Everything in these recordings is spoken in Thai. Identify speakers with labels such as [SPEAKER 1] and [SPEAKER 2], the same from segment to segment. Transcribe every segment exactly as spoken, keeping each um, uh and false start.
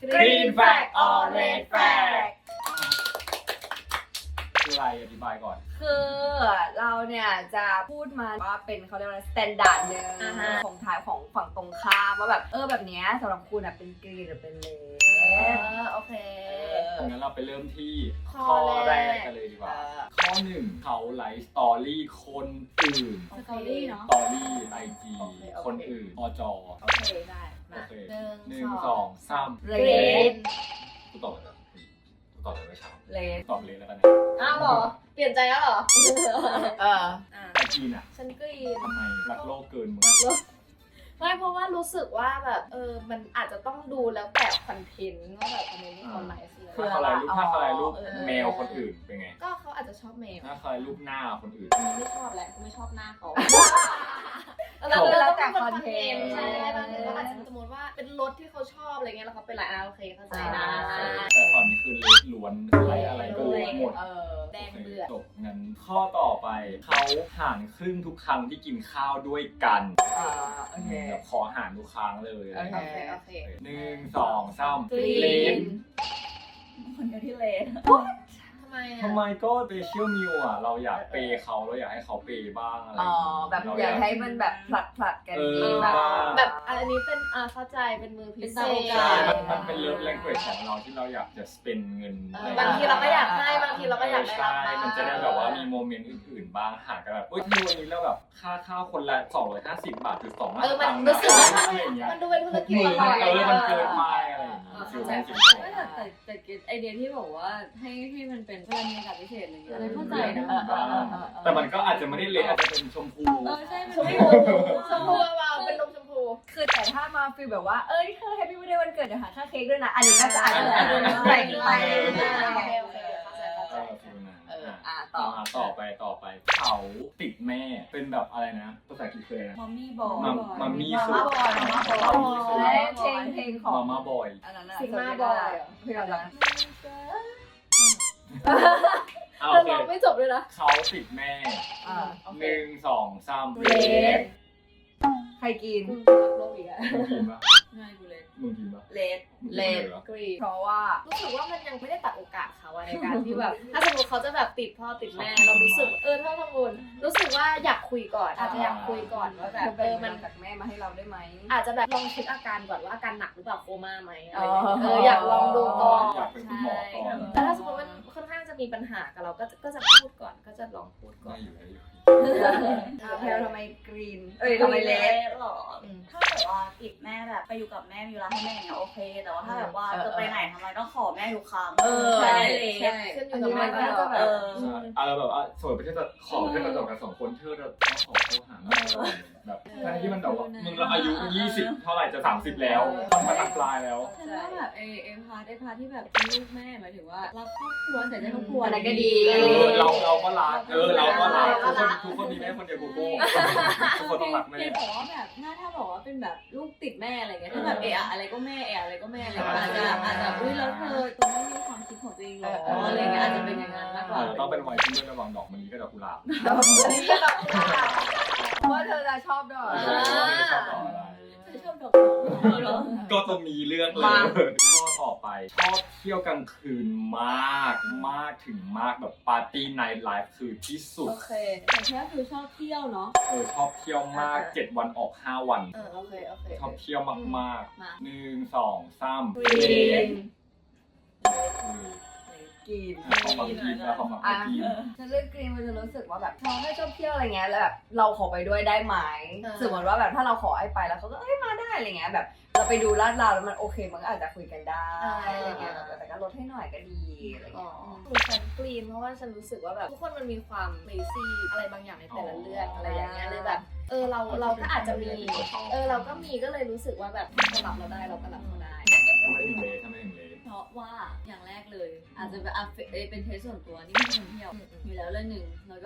[SPEAKER 1] Green flag or red flag คืออะไรอธิบายก่อน
[SPEAKER 2] คือเราเนี่ยจะพูดมาว่าเป็นเขาเรียกว่าสแตนดาร์ดหนึ่งของทายของฝั่งตรงข้ามว่าแบบเออแบบเนี้ยสำหรับคุณอ่ะเป็นกรีนหรือเป็นเลด
[SPEAKER 3] โอเค
[SPEAKER 1] งั้นเราไปเริ่มที่ข้อแรกกันเลยดีกว่าข้อหนึ่งเขาไลฟ์สตอรี่คนอื่น
[SPEAKER 3] สตอรี่เนาะ
[SPEAKER 1] สตอรี่ไอจีคนอื่นอจ
[SPEAKER 3] โอเคได้มา
[SPEAKER 1] หนึ่งสองสาม
[SPEAKER 2] เลด
[SPEAKER 1] กูตอบเลยกูตอบเลยไม่ช้า
[SPEAKER 2] เลด
[SPEAKER 1] ตอบเลยแล้วกันนะ
[SPEAKER 3] อ้าวเหรอเปลี่ยนใจแล้วเหรอ
[SPEAKER 2] เออ
[SPEAKER 1] ไอจีน่ะ
[SPEAKER 3] ฉันกรีน
[SPEAKER 1] ทำไมรักโลกเกินมึง
[SPEAKER 3] ไม่เพราะว่ารู้สึกว่าแบบเออมันอาจจะต้องดูแล้วแต่คอนเทนต์ว่าแบบคอนเทนต์ที่เขาไลฟ์
[SPEAKER 1] ถ้าเขาไลฟ์รูปถ้าเขาไลฟ์รูปแมวคนอื่นเป็นไง
[SPEAKER 3] ก็เขาอาจจะชอบแมว
[SPEAKER 1] ถ้าเขาไลฟ์รูปหน้าคนอื่น
[SPEAKER 3] ไม่ชอบแหละไม่ชอบหน้าเขา
[SPEAKER 2] แล้วแต่คอนเทนต์
[SPEAKER 3] ใช่บางทีก็อาจจะสมมติว่าเป็นรถที่เขาชอบอะไรเงี้ยแล้วเขาเป็นไลน์โอเคเข้าใจนะ
[SPEAKER 1] แต่ตอนนี้คือล้วนไลฟ์อะไรก็รู้หมด
[SPEAKER 3] แดงเดือด
[SPEAKER 1] จบงั้นข้อต่อไปเขาหารครึ่งทุกครั้งที่กินข้าวด้วยกัน
[SPEAKER 2] อ่าโอเค
[SPEAKER 1] ขอหารทุกครั้งเลย
[SPEAKER 2] โอเค
[SPEAKER 3] โอเค
[SPEAKER 1] หนึ่งสองสาม
[SPEAKER 2] เลนคนเดียวที่เลน
[SPEAKER 3] ทำไม
[SPEAKER 1] ทำไมก็เปเชียลมิวอ่ะเราอยากเปย์เขาเราอยากให้เขาเปย์บ้างอะไร
[SPEAKER 2] อ๋อแบบอยากให้มันแบบผลัดผลัดกันดีแบบ
[SPEAKER 3] แบบอันนี้เป็นอ่าเข้าใจเป็นมือพิเศษ
[SPEAKER 1] มันมันเป็นเลิฟแลงเกจของเราที่เราอยากจะสเปนเงิน
[SPEAKER 3] บางทีเราก็อยากให้บางทีเราก็อยากได้รับบ้าง
[SPEAKER 1] มันจะได้แบบว่ามีโมเมนต์อื่นๆบ้างหากันแบบอุ้ยที่วันนี้เราแบบค่าข้าวคนละสองร้อยห้าสิบบาทจุดสอง
[SPEAKER 3] เออมันรู้สึกอะไรอย่างเงี้ยมันดูเป็นธุรกิจ
[SPEAKER 1] ต่อยเออมันเกินไปอะไรอย่างเงี้ยฟิลเป็นฟิล
[SPEAKER 4] แต่แต่แต่ไอเดียที่บอกว่าให้ให้มันเป็นเวลามีอากาศพิเศษอะไรเงี้ยเลยเข้าใจนะ
[SPEAKER 1] แต่มันก็อาจจะไม่ได้เละอาจจะเป็นชมพู
[SPEAKER 4] เออใช่
[SPEAKER 3] ชมพูชมพูว่าเป็นนมชมพู
[SPEAKER 2] คือแต่ถ้ามาฟีลแบบว่าเอ้ยเธอแฮปปี้วันเดย์วันเกิดเดี๋ยวหาค่าเค้กด้วยนะอันนี้ก็จะอาจจะแบ่งไปอ่าต่อ
[SPEAKER 1] ต่อไปต่อไปเขาติดแม่เป็นแบบอะไรนะภาษาอังกฤษเลยนะ
[SPEAKER 4] มัมมี่บอย
[SPEAKER 1] มัมมี่
[SPEAKER 2] คือมัมมี่บอยเพลงเพลงของ
[SPEAKER 1] มัมมี่บอย
[SPEAKER 2] อันนั้น
[SPEAKER 3] ซิกมาบอย
[SPEAKER 2] เพลงอะไร
[SPEAKER 3] เราลองไม่จบเลยนะ
[SPEAKER 1] เขาติดแม่หนึ่งสองสาม
[SPEAKER 2] เลดใครกิน
[SPEAKER 3] โลกอีกอะ
[SPEAKER 1] มึงกินปะ
[SPEAKER 4] ง่ายกูเลด
[SPEAKER 1] มึงกินปะ
[SPEAKER 2] เลดเลดกรีเพราะว่า
[SPEAKER 3] รู้สึกว่ามันยังไม่ได้ตัดโอกาสเขาในการที่แบบถ้าสมมติเขาจะแบบติดพ่อติดแม่เรารู้สึกเออถ้าสมมติรู้สึกว่าอยากคุยก่อนอาจจะอยากคุยก่อนว่าแบบเออมัน
[SPEAKER 2] จากแม่มาให้เราได้ไหม
[SPEAKER 3] อาจจะแบบลองเช็คอาการก่อนว่าอาการหนักหรือเปล่าโคม่าไหมอะไรเอออยากลองดูก่อน
[SPEAKER 1] อยากเป็นคุณหมอก่อน
[SPEAKER 3] แต่ถ้าสมมติมันค่อนข้างจะมีปัญหากับเราก็ก็จะพูดก่อนก็จะลองพูดก่อน
[SPEAKER 2] แพลทำไมกรีนเอ้ยทำไมเลด
[SPEAKER 5] หรอถ้าแบบว่าติดแม่แบบไปอยู่กับแม่มีเวลาให้แม่เนี่ยโอเคแต่ว่าถ้าแบบว่าจะไปไหนทำไมต้องขอแม่ทุกครั้ง
[SPEAKER 2] ใช่
[SPEAKER 3] ใช่ขึ้นอยู่กับแม่ก็จะแบบ
[SPEAKER 1] เออแบบว่าสมมติประเทศจะขอแค่เรากันสองคนเธอจะต้องขอเข้าหาแบบทั้งที่มันแบบว่ามึงเราอายุยี่สิบเท่าไหร่จะสามสิบแล้วมันมาตัดปลายแล้ว
[SPEAKER 4] ฉันว่าแบบเอเอพาร์ทไอพาร์ทที่แบบเป็นลูกแม่หมายถึงว่ารักครอบครัวแต่ใจครอบครัว
[SPEAKER 2] อะไรก็ดี
[SPEAKER 1] เราเราก็รักเออเราก็รักทุกคนทุกคนมีแม่คนเดียวกูกูทุกคนต้องรักแม่
[SPEAKER 4] แต่ว่าแบบถ้าถ้าบอกว่าเป็นแบบลูกติดแม่อะไรเงี้ยถ้าแบบเอะอะไรก็แม่เอะอะไรก็แม่อะไรอาจจะอาจจะอุ้ยแล้วเธอตัวไม่มีความคิดของตัวเองหรออะไรเงี้ยอาจจะเป็นอย่างนั้นมากกว่า
[SPEAKER 1] ต้องเป็นวัยที่เลือกระหว่างดอกมะลิกับดอกกุหลาบ
[SPEAKER 2] ว่าเธอจะชอบดอก
[SPEAKER 1] ชอบดอกอะไร
[SPEAKER 4] ชอบดอก
[SPEAKER 1] ก็ต้องมีเรื่องเลยข้อต่อไปชอบเที่ยวกลางคืนมากมากถึงมากแบบปาร์ตี้ไนท์ไลฟ์คือที่สุด
[SPEAKER 4] โอเคแต่แค่คือชอบเที่ยวเนาะ
[SPEAKER 1] เออชอบเที่ยวมากเจ็ดวันออกห้าวัน
[SPEAKER 3] เออโอเคโอเค
[SPEAKER 1] ชอบเที่ยวมากๆหนึ่งสองสาม
[SPEAKER 2] กรีน
[SPEAKER 1] ของฝั่งกรีนแล้วของฝั่งกรีน
[SPEAKER 2] ฉันเลือกกรีนมันจะรู้สึกว่าแบบเราไม่ชอบเที่ยวอะไรเงี้ยแล้วแบบเราขอไปด้วยได้ไหมสมมติว่าแบบถ้าเราขอให้ไปแล้วเขาก็เอ้ยมาได้อะไรเงี้ยแบบเราไปดูลาดราวแล้วมันโอเคมันก็อาจจะคุยกันได้อะไรเงี้ยแต่ก็ลดให้หน่อยก็ดีอะไรเงี้ย
[SPEAKER 3] คือฉันกรีนเพราะว่าฉันรู้สึกว่าแบบทุกคนมันมีความเลซี่อะไรบางอย่างในแต่ละเรื่องอะไรอย่างเงี้ยเลยแบบเออเราเราก็อาจจะมีเออเราก็มีก็เลยรู้สึกว่าแบบถ้าเรารับเราได้เราก็รับเขาได้
[SPEAKER 1] ทำไมถึงเลททำไมถึงเลท
[SPEAKER 4] เพราะว่าอย่างแรกเลยอาจจะเป็นเป็นเทสส่วนตัวนี่ไม่คนเที่ยวอยู่แล้วเรื่องหนึ่งแล้วก็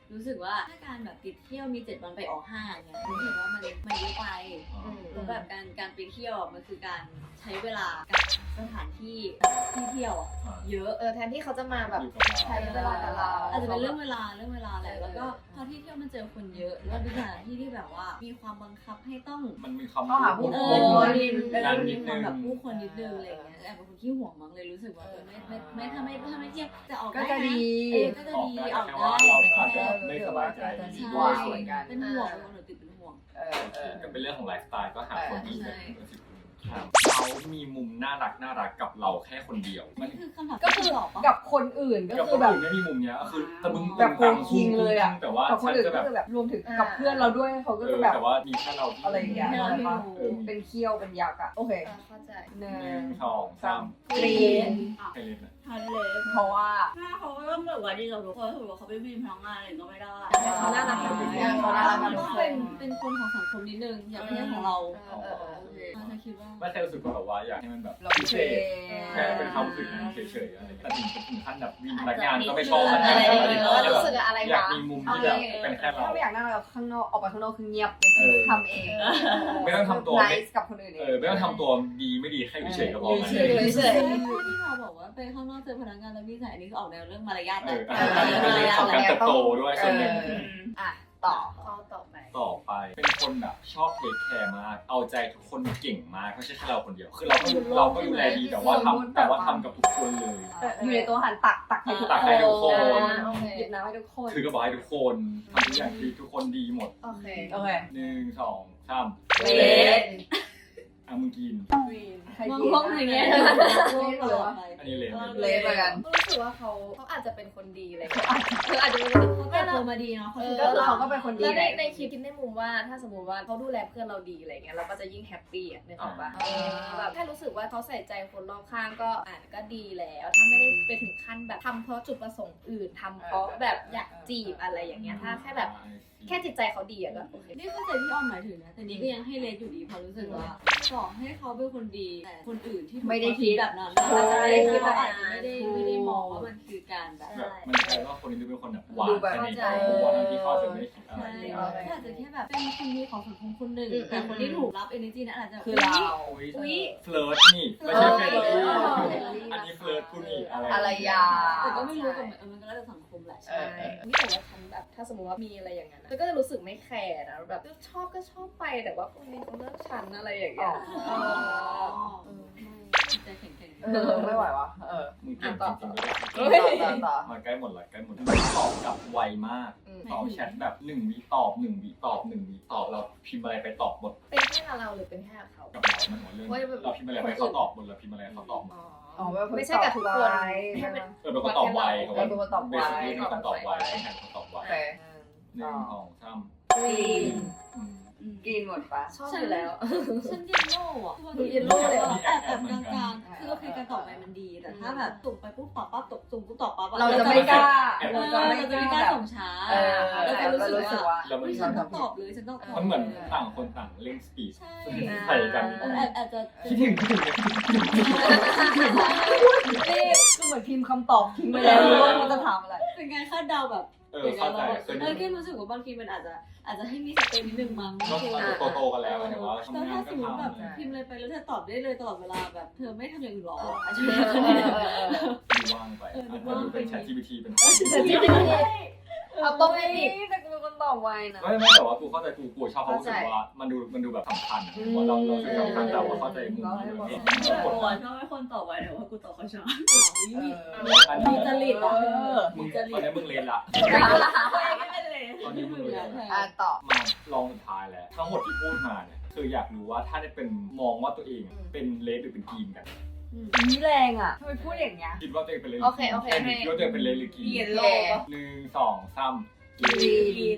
[SPEAKER 4] รู้สึกว่าถ้าการแบบติดเที่ยวมีเจ็ดวันไปออกห้างเนี่ยรู้สึกว่ามันมันเยอะไปแล้วแบบการการไปเที่ยวมันคือการใช้เวลากับสถานที่ที่เที่ยวอ่ะเยอะ
[SPEAKER 3] เออแทนที่เขาจะมาแบบ
[SPEAKER 1] อยู่กับเรา
[SPEAKER 3] ใช้เวลากับเรา
[SPEAKER 4] อาจจะเป็นเรื่องเวลาเรื่องเวลาแหละแล้วก็พอที่เที่ยวมันเจอคนเยอะแล้วเป็นสถานที่ที่แบบว่ามีความบังคับให้ต้อง
[SPEAKER 1] มันมีความ
[SPEAKER 2] ต้องหาผู้
[SPEAKER 4] เอ
[SPEAKER 2] ค
[SPEAKER 4] อน
[SPEAKER 1] วน
[SPEAKER 4] มี
[SPEAKER 1] นั่น
[SPEAKER 4] มี
[SPEAKER 1] นิด
[SPEAKER 4] ควา
[SPEAKER 1] นึ
[SPEAKER 4] ม
[SPEAKER 1] ง
[SPEAKER 4] แบบผู้คนนิดนึงอะไรอย่างเงี้ยแอบเป็นคนขี้ห่วงมั้งเลยรู้สึกว่าเออไม่ไม่ไม่ถ้าไม่ถ้าไม่เที่ยวจะออก
[SPEAKER 2] ก็
[SPEAKER 4] ได้
[SPEAKER 2] จะ
[SPEAKER 4] นะ
[SPEAKER 2] ดี
[SPEAKER 4] เออก็จะ
[SPEAKER 1] ออก
[SPEAKER 4] ดี
[SPEAKER 1] ได้
[SPEAKER 4] ออก
[SPEAKER 1] แค่
[SPEAKER 4] ได้
[SPEAKER 1] ว่าเราอาจจะไม่สบายใจ
[SPEAKER 2] ดี
[SPEAKER 4] ใช่
[SPEAKER 2] กว่าเหมือนกัน
[SPEAKER 4] เป็นห่วงเป็นคนหนูติดเป็นห่วง
[SPEAKER 2] เออเออ
[SPEAKER 1] ก็เป็นเรื่องของไลฟ์สไตล์ก็หาคนที่
[SPEAKER 4] ใช่
[SPEAKER 1] เป็นสิบคนเขามีมุมน่ารักน่ารักกับเราแค่คนเดียว มัน
[SPEAKER 4] นี่คือคำถาม
[SPEAKER 2] ก็คือ
[SPEAKER 4] ที่ตอบปะ
[SPEAKER 2] กับคนอื่นก็
[SPEAKER 1] กับ
[SPEAKER 2] คื
[SPEAKER 1] ค
[SPEAKER 2] อน แบบ
[SPEAKER 1] อื่นไม่มีมุมเนี้ยคือแต่มึง
[SPEAKER 2] แบบโกงคิงเลยอะ
[SPEAKER 1] แต่ว่า
[SPEAKER 2] กับคน
[SPEAKER 1] ฉัน
[SPEAKER 2] อื่น
[SPEAKER 1] จะ
[SPEAKER 2] ก็
[SPEAKER 1] แบบ
[SPEAKER 2] คือแบบรวมถึงกับเพื่อนเราด้วยเขาก็
[SPEAKER 1] เอ
[SPEAKER 2] จะ
[SPEAKER 1] อ
[SPEAKER 2] แบบ
[SPEAKER 1] แต่ว่ามีแค่เราที่
[SPEAKER 2] อะไรอย่างเงี้ย
[SPEAKER 4] ให้เราไม่รู้
[SPEAKER 1] เออ
[SPEAKER 2] เป็นเคี้ยวเป็นยักษ์อะโอเค
[SPEAKER 3] เออเข้าใจ
[SPEAKER 2] หนึ่
[SPEAKER 1] หนึ่
[SPEAKER 2] ง
[SPEAKER 1] งสองสาม
[SPEAKER 2] กรีน
[SPEAKER 1] ใครเล่นอะ
[SPEAKER 5] ทันเลย
[SPEAKER 2] เพราะว่า
[SPEAKER 5] แม่เขาก็ต้องแบบว่าดีกับทุกคนถือว่าเขาเป็นพี่พนักงานอะไรก็ไม่ได้
[SPEAKER 3] เขาน่ารัก
[SPEAKER 2] เอ
[SPEAKER 3] นะ
[SPEAKER 2] อเขาน่ารัก
[SPEAKER 4] มั
[SPEAKER 2] มาน ก
[SPEAKER 4] ต้องเป็นเป็นคนของสังคมนิดนึงอย่าไม่ใช่ของเรา
[SPEAKER 3] เออเออเออ
[SPEAKER 4] โอเคเราจะคิดว่า
[SPEAKER 1] ไม่แค่รู้สึกว่าแบบว่าอยากให้มันแบบ
[SPEAKER 2] เรา
[SPEAKER 1] พิ
[SPEAKER 2] เช
[SPEAKER 1] เศษแค่เป็นความรู้สึกนั้นเฉยๆอะไรแต่ถึงถึงขั้นแบบวินพนักงานก็ไม่ชอบพนักงานอะไรอย่างเงี้ย
[SPEAKER 3] เออรู้สึกอะไร
[SPEAKER 1] อยาก
[SPEAKER 3] วะ
[SPEAKER 1] มีมุมที่แบบเป็นแค่เรา
[SPEAKER 2] ถ้าไม่อยากนั่งเราข้างนอกออกไปข้างนอกคือเงียบ
[SPEAKER 1] เออ
[SPEAKER 2] ทำเอง
[SPEAKER 1] ไม่ต้องทำตัว
[SPEAKER 2] ไน
[SPEAKER 1] ไม่
[SPEAKER 2] ส์กับคนอื่นเอ
[SPEAKER 1] เอง อไม่ต้องทำตัวดีไม่ดีแค่อยู่เฉยๆก็พอ
[SPEAKER 2] อยู่
[SPEAKER 1] ไง
[SPEAKER 2] เฉย
[SPEAKER 3] เฉย
[SPEAKER 4] ที่เราบอกว่าไปข้างนอกเจอพนักงานแล้วมีสายอันนี้คือออกแนวเรื่องมารยาท
[SPEAKER 1] เอ
[SPEAKER 4] นะ
[SPEAKER 1] ออันนี้เป็นเรื่องของการเติบโตด้วยส่วนหนึ่ง
[SPEAKER 2] เอออ่ะต่อ
[SPEAKER 3] ข้อต่อไป
[SPEAKER 1] ต่อไปเป็นคนแบบชอบเทคแคร์มาก เอาใจทุกคนเก่งมากไม่ใช่แค่เราคนเดียว คือเราก็เราก็ดูแลดีแต่ว่าทำแต่ว่าทำกับทุกคนเลย
[SPEAKER 2] อยู่ในตัวหันตักตักให้ทุก
[SPEAKER 1] ตักให้ทุกคน
[SPEAKER 3] โอเค
[SPEAKER 2] หยิบน้ำให้ทุกคน
[SPEAKER 1] ถือกระบอกให้ทุกคนทำทุกอย่างดีทุกคนดีหมด
[SPEAKER 3] โอเค
[SPEAKER 2] โอเค
[SPEAKER 1] หนึ่งสองสาม
[SPEAKER 2] เลส
[SPEAKER 1] อ่ะมึงกิน
[SPEAKER 2] ใคร
[SPEAKER 4] มอง
[SPEAKER 2] กิน
[SPEAKER 4] มองอย่างเงี้ย
[SPEAKER 2] เลสเหรอ
[SPEAKER 1] อันนี้เลน
[SPEAKER 2] เลสเหมือนกัน
[SPEAKER 3] รู้สึกว่าเขาเขาอาจจะเป็นคนดีอะไรเงี้ยคืออาจจะเป็นคนดี
[SPEAKER 4] เขาเติบโตมาดีเนาะ
[SPEAKER 3] เออ
[SPEAKER 2] ก็คือเขาก็เป็นคนดี
[SPEAKER 3] แล้ว
[SPEAKER 2] แห
[SPEAKER 3] ใน
[SPEAKER 2] ละ
[SPEAKER 3] ในคลิปคิดในมุมว่าถ้าสมมติว่าเขาดูแลเพื่อนเราดีอะไรเงี้ยเราก็จะยิ่งแฮปปี้อ่ะนึกออกปะ
[SPEAKER 2] อ่า
[SPEAKER 3] แบบแค่รู้สึกว่าเขาใส่ใจคนรอบข้างก็อ่ะก็ดีแล้ว ถ้าไม่ได้ไปถึงขั้นแบบทำเพราะจุดประสงค์อื่นทำเพราะแบบอยากจีบอะไรอย่างเงี้ยถ้าแค่แบบแค่จิตใจเขาดีอะก็โอเค
[SPEAKER 4] นี่เข้าใจที่อ้อมหมายถึงนะแต่นี่ก็ยังให้เลสอยู่ดีเพราะรู้สึกว่าต่อให้เขาเป็นคนดีแต่คนอื่นที่ถูก
[SPEAKER 2] ไม่ได้คิด
[SPEAKER 4] แบบนั้น
[SPEAKER 2] ใช่
[SPEAKER 4] อาจจะไม่ได้คิดว่าอาจจะไม่ได้ไม่ได้มองว่ามันคือการแบบ
[SPEAKER 1] แบบมันกลายว่าคนนี้ดูเป็นคนแบบหวาน
[SPEAKER 2] ดูแบบ
[SPEAKER 1] แค่ในตัวทั้งที่เขาอาจจะไม่ได้คิดอะไร
[SPEAKER 4] ใช่
[SPEAKER 1] เลย
[SPEAKER 4] ก็อาจจะแค่แบบเป็นคนดีของสังคมคนหนึ่ง
[SPEAKER 3] อืม
[SPEAKER 4] แต่คนที่ถูกรับ energy นั้นอาจจะ
[SPEAKER 2] คือเรา
[SPEAKER 1] อุ๊ย
[SPEAKER 3] อุ๊ย
[SPEAKER 1] เฟลิร์ตนี่ไม่ใช่เฟรนลี่
[SPEAKER 2] เออ
[SPEAKER 1] อันนี้เฟลิร์ตผู้นี่อะไร
[SPEAKER 2] อะไรยา
[SPEAKER 4] แต่ก็ไม่รู้กับมันมันก็แล้วแต่สังคมแหละ
[SPEAKER 2] เออเออ
[SPEAKER 3] นี่แต่ว่าฉันแบบถ้าสมมติว่ามีอะไรอย่างนั้นอะก็จะรู้สึกไม่แคร์นะแบบชอบก็ชอบไปแต่ว่าคนนี้เขาเลือกฉันอะไรอย่างเงี้ย
[SPEAKER 4] อ๋อ
[SPEAKER 3] เออ
[SPEAKER 4] ไม่ใจแข็ง
[SPEAKER 2] เออไม่ไหววะเออ
[SPEAKER 1] มึงเก่งจริงๆก็ได้
[SPEAKER 2] ต่อต่อต่อ
[SPEAKER 1] มาใกล้หมดละใกล้หมดละตอบกลับไวมาก
[SPEAKER 3] อืม
[SPEAKER 1] ตอบแชทแบบหนึ่งวิตอบหนึ่งวิตอบหนึ่งวิตอบเราพิมพ์อะไรไปตอบหมด
[SPEAKER 3] เป็นแค่เราหรือเป็นแค่เขา
[SPEAKER 1] กับเรามันหัวเรื่องเราพิมพ์อะไรไปเขาตอบหมดเราพิมพ์อะไรเขาตอบหมด
[SPEAKER 3] อ๋อ
[SPEAKER 2] อ๋อแบบคน
[SPEAKER 3] ไม่ใช่กับทุกคน
[SPEAKER 2] ตอบไว
[SPEAKER 3] แค่เป็น
[SPEAKER 1] เออเป็นคนตอบไวเขา
[SPEAKER 2] เออเป็นคนตอบไว
[SPEAKER 1] เบสิคเป็นคนตอบไวแทนคนตอบไว
[SPEAKER 2] โอเค
[SPEAKER 1] หนึ่งสองสาม
[SPEAKER 2] กรีน
[SPEAKER 1] อืม
[SPEAKER 2] กินหมดปะ
[SPEAKER 3] ชอบอยู่แล้ว
[SPEAKER 4] ฉันเยลโล่อะ
[SPEAKER 3] ดู yellow เลยเหรอ
[SPEAKER 4] แอบแอบกลางๆคือโอเคการตอบไปมันดีแต่ถ้าแบบส่งไปปุ๊บตอบปั๊บตกส่งปุ๊บตอบปั๊บ
[SPEAKER 2] เราจะไม่กล้า
[SPEAKER 4] เออเราจะไม่กล้าส่งช้า
[SPEAKER 2] เออ
[SPEAKER 4] เราจะรู้สึก
[SPEAKER 2] รู้สึก
[SPEAKER 4] ว่า
[SPEAKER 2] ว่า
[SPEAKER 1] แล้วมัน
[SPEAKER 4] เฮ้ยฉันต้องตอบเลยฉันต้องตอบ
[SPEAKER 1] มันเหมือนต่างคนต่างเล่นสปีด
[SPEAKER 4] ใช่
[SPEAKER 1] ใส่กัน
[SPEAKER 4] เอออาจอาจจะ
[SPEAKER 1] คิดถึงคิดถึงคิดถึงคิดถึง
[SPEAKER 2] นี่ก็เหมือนพิมพ์คำตอบทิ้งไปแล้วว่ามันจะถามอะไร
[SPEAKER 4] เป็นการคาดเดาแบบ
[SPEAKER 1] เออเข้าใจเคย
[SPEAKER 4] เออแค่รู้สึกว่าบางทีมันอาจจะอาจจะให้มีสเปนนิดนึงมั้ง
[SPEAKER 1] ก็โตโตๆกันแล้วแต่ว่า
[SPEAKER 4] แต่
[SPEAKER 1] ทำงา
[SPEAKER 4] ถ้าน ส
[SPEAKER 1] ก็
[SPEAKER 4] มมติแบบ
[SPEAKER 1] ทำ
[SPEAKER 4] พิมพ์อะไรไปแล้วเธอตอบได้เลยตลอดเวลาแบบเธอไม่ทำอย่างอื่นหรออาจจะ
[SPEAKER 2] เอ
[SPEAKER 4] ไม่
[SPEAKER 2] อ
[SPEAKER 4] ได้
[SPEAKER 2] เออเออ
[SPEAKER 1] ดูว่างไปอาจจะดูเป็น ChatGPT เป็น
[SPEAKER 2] เอาตรงนี้แต่กูเป็นคนตอบไวนะ
[SPEAKER 1] ไม่ไม่แต่ว่ากูเข้าใจกูกูชอบเพราะรู้สึกว่ามันดูมันดูแบบสำคัญว่าเราเราคือสำคัญแต่ว่าเข้าใจมุมนี้
[SPEAKER 5] กูอ่ะชอบให้คนตอบไว้แต่ว่ากูตอบเขาช้า
[SPEAKER 1] อัน
[SPEAKER 4] มี
[SPEAKER 1] นี้
[SPEAKER 4] จริตอ่ะ
[SPEAKER 1] มึงตอนนี้มึงเรียนละ
[SPEAKER 5] ไม่เป็นเลย
[SPEAKER 1] ตอนนี้มึงเรียนละ
[SPEAKER 2] อ่ะต่อ
[SPEAKER 1] มาลองสุดท้ายแล้วทั้งหมดที่พูดมาเนี่ยคืออยากรู้ว่าถ้าได้เป็นมองว่าตัวเองเป็นเลสหรือเป็นกรีนกัน
[SPEAKER 2] นี่แรงอ่ะทำไมพูดอย่างเงี้ย
[SPEAKER 1] คิดว่าตัวเองเป็นเลส
[SPEAKER 3] โอเคโอเคให้
[SPEAKER 1] คิดว่าตัวเองเป็นเลสหรือกรีน
[SPEAKER 5] เย็นโลกปะ
[SPEAKER 1] หนึ่งสองสามก
[SPEAKER 2] กรี
[SPEAKER 1] รี
[SPEAKER 2] น
[SPEAKER 1] น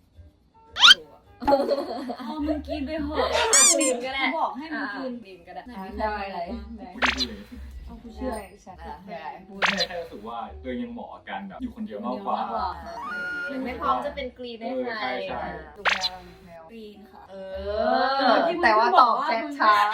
[SPEAKER 4] พอมึงกินไปเหอะ
[SPEAKER 3] กรีนก็ได้
[SPEAKER 4] บอกให้มึงกิน
[SPEAKER 3] กรีนก็ได้
[SPEAKER 2] ได้เลย
[SPEAKER 1] กูได้พูดเลย
[SPEAKER 4] เอากูเชื่อ
[SPEAKER 2] ฉันอ่ะได้พูด
[SPEAKER 1] แค่แค่รู้สึกว่าตัวเองยังเหมาะกับการแบบอยู่คนเดียวมากกว่า
[SPEAKER 3] ยังไม่พร้อมจะเป็นกรีนให้ใคร
[SPEAKER 1] ใช่ใช่
[SPEAKER 2] ดูแมวแมว
[SPEAKER 5] กรีนค่ะ
[SPEAKER 2] เออ แต่ว่าตอบแชทช้า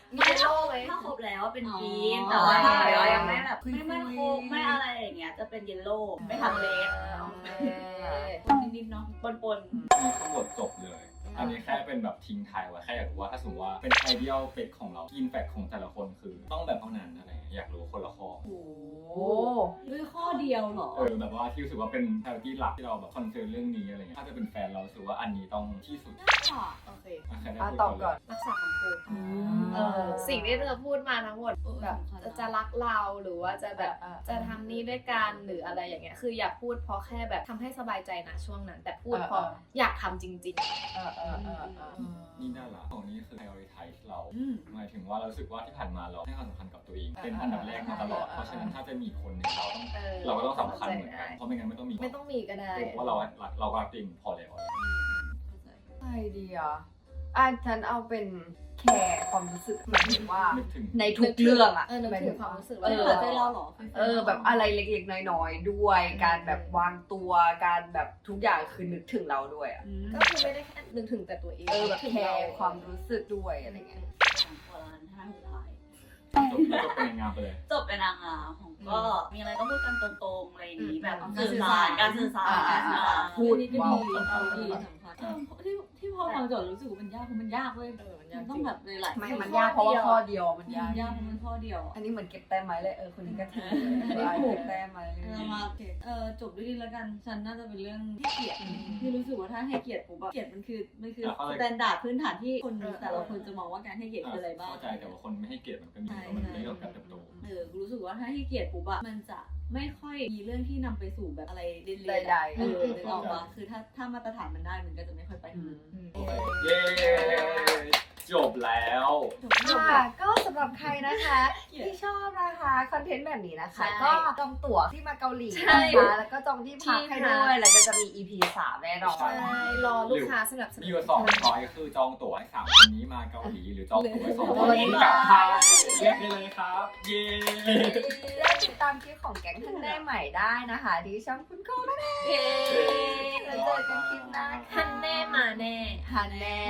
[SPEAKER 3] มีเยลโล่ไหม
[SPEAKER 5] ถ้าครบแล้วเป็น
[SPEAKER 4] อ๋อ
[SPEAKER 5] กรีนแต่ว่าถ้าแบบว่ายังไม่แบบ
[SPEAKER 2] คุยๆ
[SPEAKER 5] ไม่ไม่ครบไม่อะไรอย่างเงี้ยจะเป็นเยลโล่ไม่ทำเลส
[SPEAKER 4] นิดๆเนาะ
[SPEAKER 5] ปนปน
[SPEAKER 1] มีทั้งหมดจบเลย อันนี้แค่เป็นแบบทิ้งท้ายไว้แค่อยากรู้ว่าถ้าสมมติว่าเป็นไอเดียลเฟกของเรากินแฟกของแต่ละคนคือต้องแบบเท่านั้นอะไรอยากรู้คนละข้อ
[SPEAKER 2] โอ้
[SPEAKER 4] ด้วยข้อเดียวเหรอ
[SPEAKER 1] เออแบบว่าที่รู้สึกว่าเป็น priority หลักที่เราแบบคอนเซิร์นเรื่องนี้อะไรเงี้ยถ้าจะเป็นแฟนเรารู้สึกว่าอันนี้ต้องที่สุด
[SPEAKER 3] โอเค
[SPEAKER 1] อ่ะใครได้
[SPEAKER 2] อ่ะ
[SPEAKER 1] พูด
[SPEAKER 2] ตอบก่อน
[SPEAKER 3] รักษาคำพูด
[SPEAKER 2] เอ
[SPEAKER 3] เออสิ่งที่เธอพูดมาทั้งหมด
[SPEAKER 4] เออ
[SPEAKER 3] แบบ
[SPEAKER 4] สำคัญนะ
[SPEAKER 3] จะรักเราหรือว่าจะแบบ
[SPEAKER 2] เออเออ
[SPEAKER 3] จะทำนี่ด้วยกันหรืออะไรอย่างเงี้ยคืออย่าพูดเพราะแค่แบบทำให้สบายใจนะช่วงนั้น แต่พูด
[SPEAKER 2] เออ
[SPEAKER 3] เพราะ
[SPEAKER 2] เออ
[SPEAKER 3] อยากทำจริง
[SPEAKER 2] เออเออเออเออ
[SPEAKER 1] นี่น่ารักของนี้คือ prioritize เรา
[SPEAKER 4] อืม
[SPEAKER 1] หมายถึงว่าเรารู้สึกว่าที่ผ่านมาเราให้ความสำคัญกับตัวเอง
[SPEAKER 2] อ่า
[SPEAKER 1] เป็นอันดับแรกมาตลอด
[SPEAKER 2] อ่า
[SPEAKER 1] เพราะฉะนั้นถ้าจะมีคนหนึ่งเราต้อง
[SPEAKER 3] ๆ เออ
[SPEAKER 1] เราก็ต้องสำคัญเหมือนกันเพราะไม่งั้นไม่ต้องมี
[SPEAKER 3] ไม่ต้องมีก็ได้
[SPEAKER 1] เพราะเรารักเรารักตัวเองพอแล้ว
[SPEAKER 2] ใช่ดีอ่ะอ่ะฉันเอาเป็นแคร์ความรู้สึกหมายถึงว่า
[SPEAKER 1] นึกถึง
[SPEAKER 2] ในทุกเรื่องอ่ะ
[SPEAKER 3] เออนึกถึงความรู้สึก
[SPEAKER 2] เอ
[SPEAKER 3] ว่า
[SPEAKER 2] อ
[SPEAKER 4] หัวใจเราเหรอ
[SPEAKER 2] เออแบบอะไรเล็กๆน้อยๆด้วย การแบบวางตัวการแบบทุกอย่างคือนึกถึงเราด้วยอ่ะ
[SPEAKER 3] ก็คือไม่ได้แค่นึกถึงแต่ตัวเอง
[SPEAKER 2] เออแบบ
[SPEAKER 3] นึกถึง
[SPEAKER 2] แค
[SPEAKER 3] เรา
[SPEAKER 2] ร์ความรู้สึกด้วยอะไรเงี้ย
[SPEAKER 5] ของคนละท่าสุดท้าย
[SPEAKER 1] จบแล้วก็เป็นงานไปเลย
[SPEAKER 5] จบเป็นนางงามของก็มีอะไรก็พูดกันตรงๆอะไรอย่างนี้แบบ
[SPEAKER 2] อืม
[SPEAKER 5] สื่อสารการสื่อสาร
[SPEAKER 2] อ่า
[SPEAKER 5] การสื่อสาร
[SPEAKER 2] พูด
[SPEAKER 4] อันนี้ก็
[SPEAKER 2] ว้าว
[SPEAKER 4] ดีเอาดีสำคัญเออที่ที่พอฟังโจทย์รู้สึกว่ามันยากเพราะมันยากเว้ย
[SPEAKER 3] เออมัน
[SPEAKER 4] มั
[SPEAKER 3] ยาก
[SPEAKER 4] น
[SPEAKER 3] จ
[SPEAKER 4] ต้อ
[SPEAKER 3] ริ
[SPEAKER 4] ง
[SPEAKER 3] ง
[SPEAKER 4] แบบหลายๆ
[SPEAKER 2] ไม่
[SPEAKER 4] ข้อ
[SPEAKER 2] มันยากเพราะว่าข้อเดียวมันยาก
[SPEAKER 4] ยากเพราะมันข้อเดียว
[SPEAKER 2] อันนี้เหมือนเก็บแต้มไม้เลยเออคนนี้ก็ทิ้ง
[SPEAKER 4] อันนี้ถูก
[SPEAKER 2] เก็บแต้มไม้เลย
[SPEAKER 4] เรามาเออจบด้วยดีแล้วกัน ฉันน่าจะเป็นเรื่องให้เกียรติที่รู้สึกว่าถ้าให้เกียรติปุ๊บอะเกียรติมันคือมันคือ
[SPEAKER 1] อ่ะเข้าใจ
[SPEAKER 4] สแตนดาร์ดพื้นฐานที่คนแต่ละคนจะมองว่าการให้เกียรติคืออะไรบ้าง
[SPEAKER 1] เข้าใจแต่ว่าคนไม่ให้เกียรติมันก็มี
[SPEAKER 4] ใช่
[SPEAKER 1] เพราะมันเป็นเรื่องของการเติบโต
[SPEAKER 4] เออกูรู้สึกว่าถ้าให้เกียรติปุ๊บอะมันจะไม่ค่อยมีเรื่องที่นำไปสู่แบบอะไรเด่นๆ
[SPEAKER 2] ใด
[SPEAKER 4] อะ
[SPEAKER 2] ๆ
[SPEAKER 4] เออนึกออกปะคือถ้าถ้ามาตรฐานมันได้มันก็จะไม่ค่อยไป
[SPEAKER 2] อืม
[SPEAKER 1] โอเคเย้จบแล้ว
[SPEAKER 4] จบจบ
[SPEAKER 2] ค่ะก็สำหรับใครนะคะที่ชอบนะคะคอนเทนต์แบบนี้นะคะ ก็จองตั๋วที่มาเกาหลี
[SPEAKER 3] ใช่
[SPEAKER 2] นะคะแล้วก็จองที่พักให้
[SPEAKER 3] ที่พัก
[SPEAKER 2] ด้วยแล้วก็จะมี อี พี สามแน่นอน
[SPEAKER 3] ใช่รอลูกค้าสนับสนุ
[SPEAKER 1] มี
[SPEAKER 3] น
[SPEAKER 1] อยู่สองช้อยคือจองตั๋วให้สามคนนี้มาเกาหลีหรือจองตั๋วให้สองคนนี้กลับไทยเลือกได้เลยครับ เย้
[SPEAKER 2] และติดตามคลิปของแก๊งทันได้ใหม่ได้นะคะที่ช่องคุณโก้นั่นเอง
[SPEAKER 3] เย้
[SPEAKER 2] แล้วเจอกันคลิปหน้า
[SPEAKER 3] ฮันแน่มาแน่
[SPEAKER 2] ฮันแน่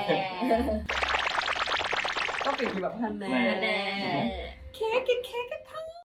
[SPEAKER 2] ก็ปิดคือแบบฮันแน่
[SPEAKER 1] แน่
[SPEAKER 3] แน่
[SPEAKER 2] เค้กกินเค้กกันค่ะ